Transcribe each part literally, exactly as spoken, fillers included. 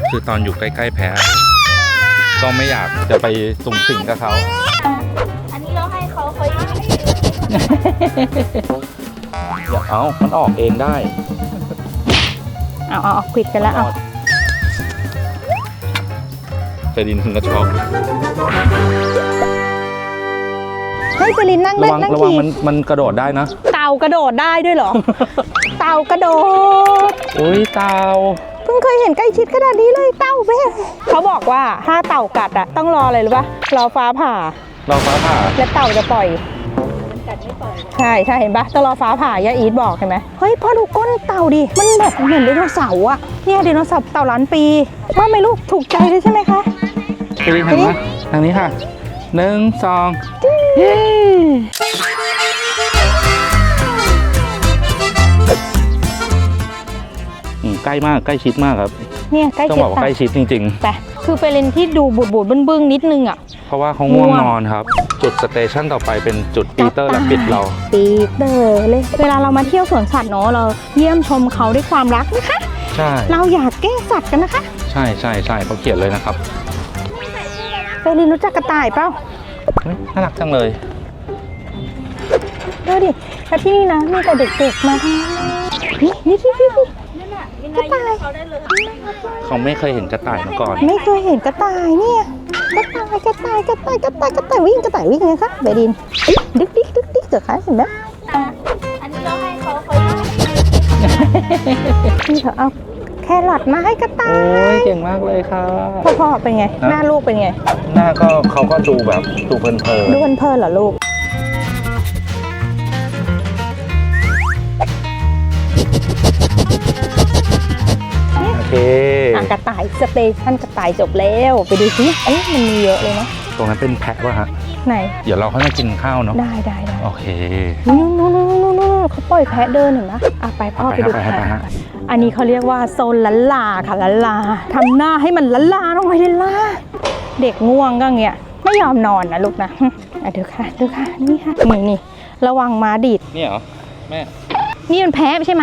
คือตอนอยู่ใกล้ๆแพะก็ไม่อยากจะไปสุ่มสิงกับเขาอันนี้เราให้เขาเขายังไม่อย่าเอามันออกเองได้เอาเอาเอาควิดกันแล้วเอาเฟรดินถึงกระช็อกให้เฟรดินนั่งเล่นนั่งขี่ระวังมันมันกระโดดได้นะเต่ากระโดดได้ด้วยเหรอ เต่ากระโดดอุ้ยเต่าเพิ่งเคยเห็นใกล้ชิดขนาดนี้เลยเต่าเบ้เขาบอกว่าถ้าเต่ากัดอ่ะต้องรออะไรรู้ป่ะรอฟ้าผ่ารอฟ้าผ่าแล้วเต่าจะปล่อยมันกัดไม่ปล่อยใช่ใช่เห็นปะต้องรอฟ้าผ่าย่าอีทบอกเห็นไหมเฮ้ยพ่อดูก้นเต่าดิมันแบบเหมือนไดโนเสาร์อ่ะเนี่ยไดโนเสาร์เต่าล้านปีว่าไหมลูกถูกใจเลยใช่ไหมคะเฟรดินทางนี้ทางนี้ค่ะหนึ่งสองเย้ใกล้มากใกล้ชิดมากครับเนี่ยใกล้ชิดต้องบอกว่าใกล้ชิดจริงๆแต่คือเฟรนที่ดูบูดบูดบึ้งๆนิดนึงอ่ะเพราะว่าเขาง่วงนอนครับจุดสเตชันต่อไปเป็นจุดปีเตอร์และปิดเราปีเตอร์เลยเวลาเรามาเที่ยวสวนสัตว์เนาะเราเยี่ยมชมเขาด้วยความรักนะคะใช่เราอยากแกล้งสัตว์กันนะคะใช่ใช่ใช่เขาเขียนเลยนะครับเฟรนรู้จักกระต่ายเปล่าน่ารักจังเลยดูดิแล้วที่นี่นะมีแต่เด็กๆมาทั้งนั้นนี่นี่ที่ที่ที่กระต่ายเขาไม่เคยเห็นกระต่ายมาก่อนไม่เคยเห็นกระต่ายเนี่ยกระต่ายกระต่ายกระต่ายกระต่ายกระต่ายวิ่งกระต่ายวิ่งไงคะเบดินดึกดิ๊กดึกดิ๊กเจอขาเห็นไหมอันนี้เราให้เขาเขาที่เขาเอาแครอทมาให้กระต่ายโอ้ยเก่งมากเลยค่ะพ่อพ่อเป็นไงหน้าลูกเป็นไงหน้าก็เขาก็ดูแบบดูเพลินเพลินดูเพลินเพลินเหรอลูกโอเคกระต่ายสเตชันกระต่ายจบแล้วไปดูสิเอ๊ะมันมีเยอะเลยเนาะตรงนั้นเป็นแพะป่ะฮะไหนเดี๋ยวเราค่อยมากินข้าวเนาะได้ได้ได้โอเคนู่นนู่นนู่นนู่นเขาปล่อยแพะเดินเห็นไหมอ่ะไปพ่อไปดูแพะอันนี้เขาเรียกว่าโซนลันลาค่ะลันลาทำหน้าให้มันลันลาลงไปลันลาเด็กง่วงก็เงี้ยไม่ยอมนอนนะลูกนะอ่ะดูค่ะดูค่ะนี่ค่ะนี่นี่ระวังม้าดีดนี่เหรอแม่นี่มันแพะใช่ไหม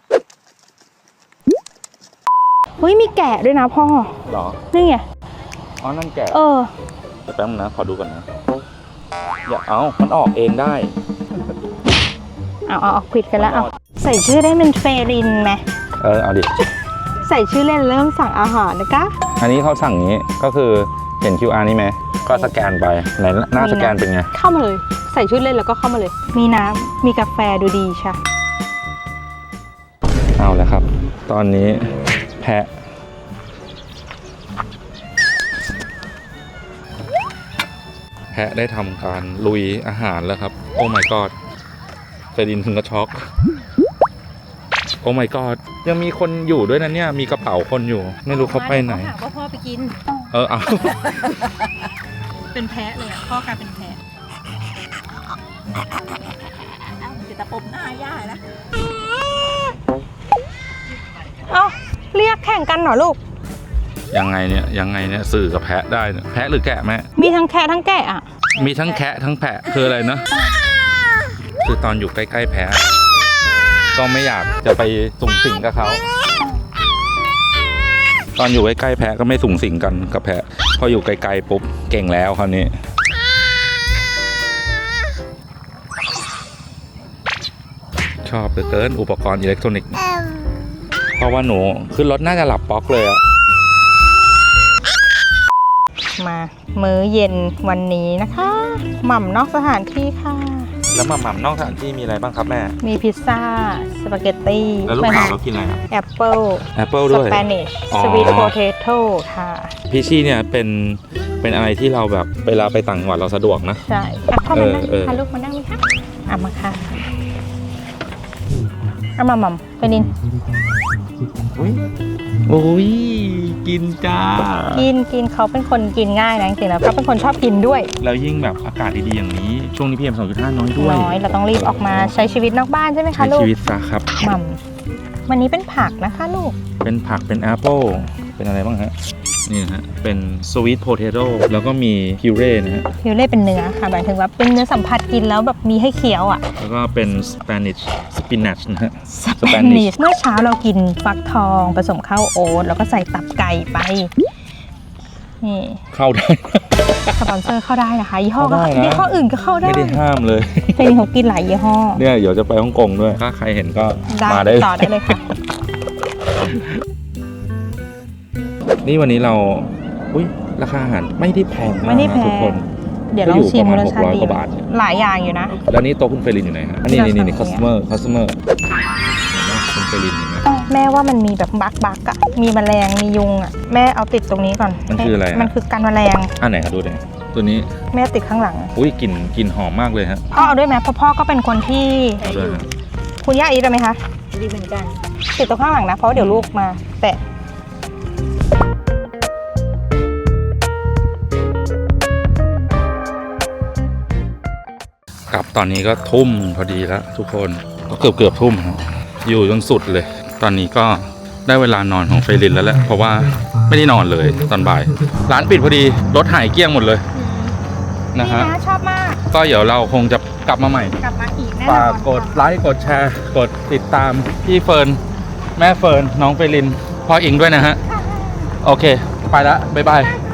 เฮ้ยมีแกะด้วยนะพ่อหรอนี่ไงอ๋อนั่นแกะเออแป๊บนึงนะขอดูก่อนนะอย่าเอามันออกเองได้เอาเอาเอาควิดกันแล้วเอาใส่ชื่อได้เป็นเฟรินไหมเออเอาดิใส่ชื่อเล่นเริ่มสั่งอาหารนะคะอันนี้เขาสั่งนี้ก็คือเห็น คิว อาร์ นี่ไหมก็สแกนไปไหนหน้าสแกนเป็นไงเข้ามาเลยใส่ชื่อเล่นแล้วก็เข้ามาเลยมีน้ำมีกาแฟดูดีใช่เอาแล้วครับตอนนี้แพะแพะได้ทำการลุยอาหารแล้วครับโอ้ my god เฟรดินถึงกับช็อกโอ้ my god ยังมีคนอยู่ด้วยนะเนี่ยมีกระเป๋าคนอยู่ไม่รู้เขาไปไหนเขาพ่อไปกินเออเอาเป็นแพะเลยอ่ะพ่อกลายเป็นแพะจะตะปบหน้าย่านะเอาเรียกแข่งกันเหรอลูกยังไงเนี่ยยังไงเนี่ยสื่อกับแพะได้เนี่ยแพะหรือแกะแม่มีทั้งแคะทั้งแกะอ่ะมีทั้งแคะทั้งแพะคืออะไรนะคือตอนอยู่ใกล้ๆแพะก็ไม่อยากจะไปสุ่มสิงกับเขาตอนอยู่ใกล้ๆแพะก็ไม่สุ่มสิงกันกับแพะพออยู่ไกลๆปุ๊บเก่งแล้วคราวนี้ชอบเหลือเกินอุปกรณ์อิเล็กทรอนิกส์เพราะว่าหนูขึ้นรถน่าจะหลับป๊อกเลยอะมามื้อเย็นวันนี้นะคะหม่ำนอกสถานที่ค่ะแล้วหม่ำนอกสถานที่มีอะไรบ้างครับแม่มีพิซซ่าสปาเกตตี้แล้วลูกสาวเรากินอะไรครับแอปเปิ้ลแอปเปิ้ลด้วยสเปนิชสวีทโพเทโต้ค่ะพิชชี่เนี่ยเป็นเป็นอะไรที่เราแบบเวลาไปต่างจังหวัดเราสะดวกนะใช่เข้ามานั่งค่ะลูกมานั่งไหมคะอ่ะมาค่ะเอามาหม่ำไปนินโอ้ยกินจ้ากินกินเขาเป็นคนกินง่ายนะจริงๆแล้วเขาเป็นคนชอบกินด้วยแล้วยิ่งแบบอากาศดีๆอย่างนี้ช่วงนี้ พี เอ็ม สองจุดห้า น้อยด้วยน้อยเราต้องรีบออกมาใช้ชีวิตนอกบ้านใช่ไหมคะลูกใช้ชีวิตซะครับหม่ำวันนี้เป็นผักนะคะลูกเป็นผักเป็นแอปเปิ้ลเป็นอะไรบ้างฮะนี่นะฮะเป็นสวีทโพเทโต้แล้วก็มีพิวเร่นะฮะพิวเร่เป็นเนื้อค่ะหมายถึงว่าเป็นเนื้อสัมผัสกินแล้วแบบมีให้เคี้ยวอ่ะแล้วก็เป็นสเปนิชสปินัชนะฮะสเปนิชเมื่อเช้าเรากินฟักทองผสมข้าวโอ๊ตแล้วก็ใส่ตับไก่ไปนี่เข้าได้สปอนเซอร์เข้าได้นะคะยี่ห้อก็เข้าได้นะยี่ห้ออื่นก็เข้าได้ไม่ได้ห้ามเลยเฟรนเขากินหลายยี่ห้อเนี่ยเดี๋ยวจะไปฮ่องกงด้วย ถ้าใครเห็นก็ได้มาได้ต่อได้เลยค่ะนี่วันนี้เรา อุ้ยราคาอาหารไม่ได้แพงมากไม่ได้นะแพทุกงคนเดี๋ยวลองชิมก็อยู่ประมาณรสชาติหกร้อยดีกว่าบาทหลายอย่างอยู่นะแล้วนี่โต๊ะคุณเฟรลินอยู่ไหนฮะอันนี้เรานี่นี่สั่ง customer customer เห็นไหมคุณเฟรลินเห็นไหมแม่ว่ามันมีแบบบักบักอะมีแมลงมียุงอะแม่เอาติดตรงนี้ก่อนมันคืออะไรอะมันคือกันแมลงอันไหนครับดูหน่อยตัวนี้แม่ติดข้างหลังอุ้ยกลิ่นกลิ่นหอมมากเลยฮะพ่อเอาด้วยไหมเพราะพ่อก็เป็นคนที่เอาด้วยฮะคุณย่าอีทได้ไหมคะดีเหมือนกันติดตรงข้างหลังนะเพราะเดี๋ยวลูกมาแตะกลับตอนนี้ก็ทุ่มพอดีแล้วทุกคนก็เกือบเกือบทุ่มครับอยู่จนสุดเลย ตอนนี้ก็ได้เวลานอนของเฟรลินแล้วแหละเพราะว่าไม่ได้นอนเลยตอนบ่าย ร้านปิดพอดีรถหายเกลี้ยงหมดเลยนะนี่ฮะนะชอบมากก็เดี๋ยวเราคงจะกลับมาใหม่กลับมาอีกแน่นฝาอก นกดไลค์กดแชร์ กดติดตามพี่เฟิร์นแม่เฟิร์นน้องเฟรลินพ่ออิงด้วยนะฮะ โอเค ไปละบ๊ายบายค่ะ